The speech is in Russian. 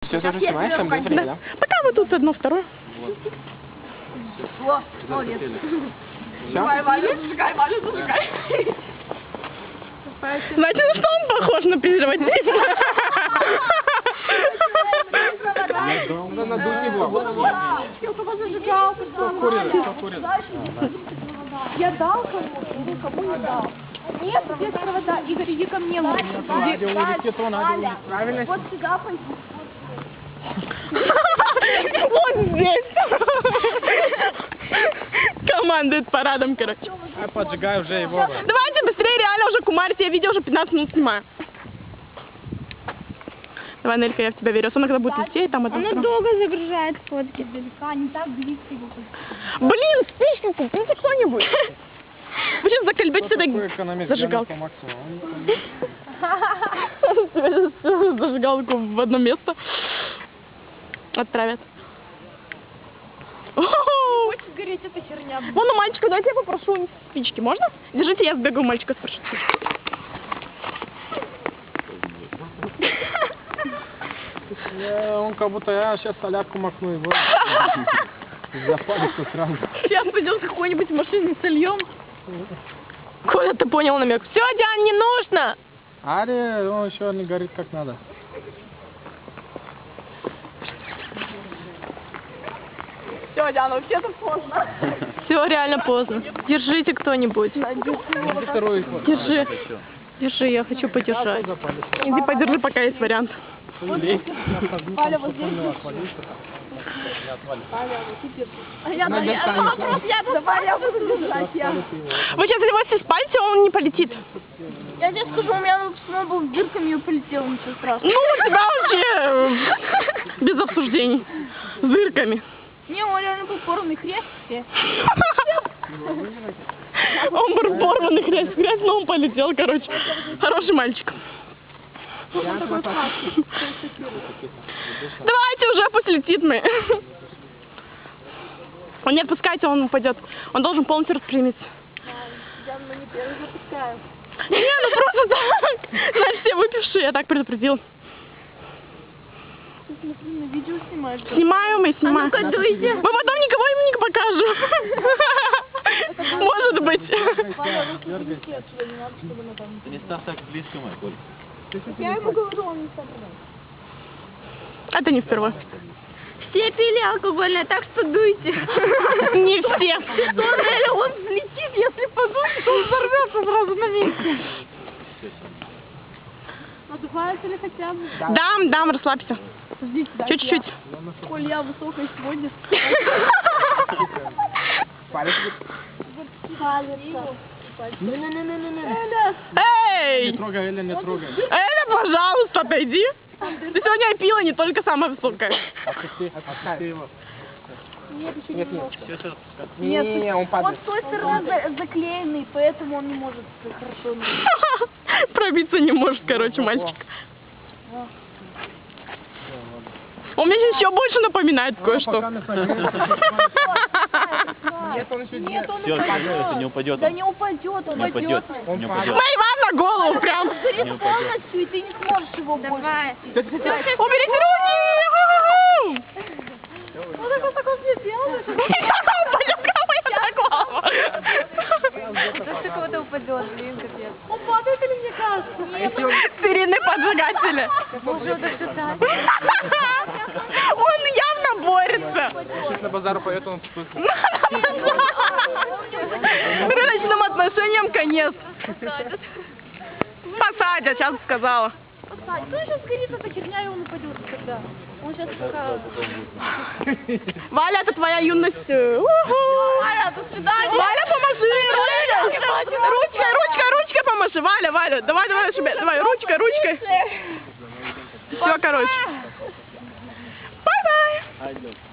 все тоже снимаешь, там мы да? Пока вы тут одно, второе. О, молодец. Все? Давай, Валя, зажигай, Валя, зажигай. Знаете, на что он похож на презерватив? Надуть не было. Я только зажигал. Покурил. Я дал кому не дал. Нет, без провода. Игорь, иди ко мне. Надя улетит, то надо улетит. Правильно? Вот сюда пойди. Вот здесь. Командует парадом, короче. Я поджигаю уже его. Давайте быстрее, реально уже кумарите. Я видео уже 15 минут снимаю. Давай, Нелька, я в тебя верю. Особенно, когда будет лететь, там это... Она долго загружает фотки. Далека, не так близко его. Блин, спички купите кто-нибудь. Вы сейчас закольбите сюда зажигалку. Зажигалку в одно место отправят. Хочет гореть эта херня. Вон у мальчика, дайте я попрошу спички, можно? Держите, я сбегаю у мальчика спрошу. Он как будто я сейчас солярку макну его. Запалится сразу. Сейчас пойдем какой-нибудь машине сольем. Коля, ты понял намек? Все, Диан, не нужно! Ари, он еще не горит как надо. Все, Диана, вообще-то поздно. Все, реально поздно. Держите кто-нибудь. Второй. Держи. Держи, я хочу подержать. Иди подержи, пока есть вариант. Валя, вот здесь. Давай, я буду держать. Вы сейчас его все спалите, он не полетит. Я тебе скажу, у меня сноубол с дырками и полетел, ничего страшного. Ну, у тебя вообще без обсуждений. С дырками. Не, он реально был порванный хрест. Он был порванный хрест, но он полетел, короче. Хороший мальчик. Давайте уже, пусть летит мы. Он не отпускайте, он упадет. Он должен полностью распрямиться. Не, ну просто так. Значит, все выпившие, я так предупредил. Смотри, на видео снимаешь. Снимаю мы, снимаем. А ну-ка, дуйте. Мы потом никого им не покажем. Может быть. Ты не стал так близко, мой Коль. Я ему говорю, он не соображает. Это не впервые. Все пили алкогольное, так что дуйте. Не все. Он взлетит, если подует, то он взорвется сразу на месте. Надувается ли хотя бы? Дам, расслабься. Ждите, Чуть-чуть. Коль, я высокая сегодня. Эй! Не трогай, Эля, не трогай. Эля, пожалуйста, отойди. Ты сегодня пила не только самая высокая. Отпусти его. Нет, еще Нет, немного. Не, он Он падает. с той стороны заклеенный, поэтому он не может хорошо. Пробиться не может, короче, мальчик. Он мне сейчас еще больше напоминает кое-что. Нет, он еще Нет, он Все, это не упадет. Да не упадет, он Не упадет. упадет. Не упадет. На Ивана голову прям. Горит полностью, и ты не сможешь его больше. Уберите руки! Ну так он мне делает. Сейчас ты кого-то упадет, блин, капец. Он падает или мне кажется? Нет. Сирены поджигатели. Боже, да что так? Он явно борется. Сейчас на базару поет, он вкусный. Рыночным отношениям конец. Посадят, сейчас сказала. Ну сейчас горит эта херня, и он упадет тогда. Он сейчас пока... Валя, это твоя юность. Валя, до свидания. Валя, поможи. Ручкой поможи. Валя, давай, давай, ручкой. Все, короче. Бай-бай.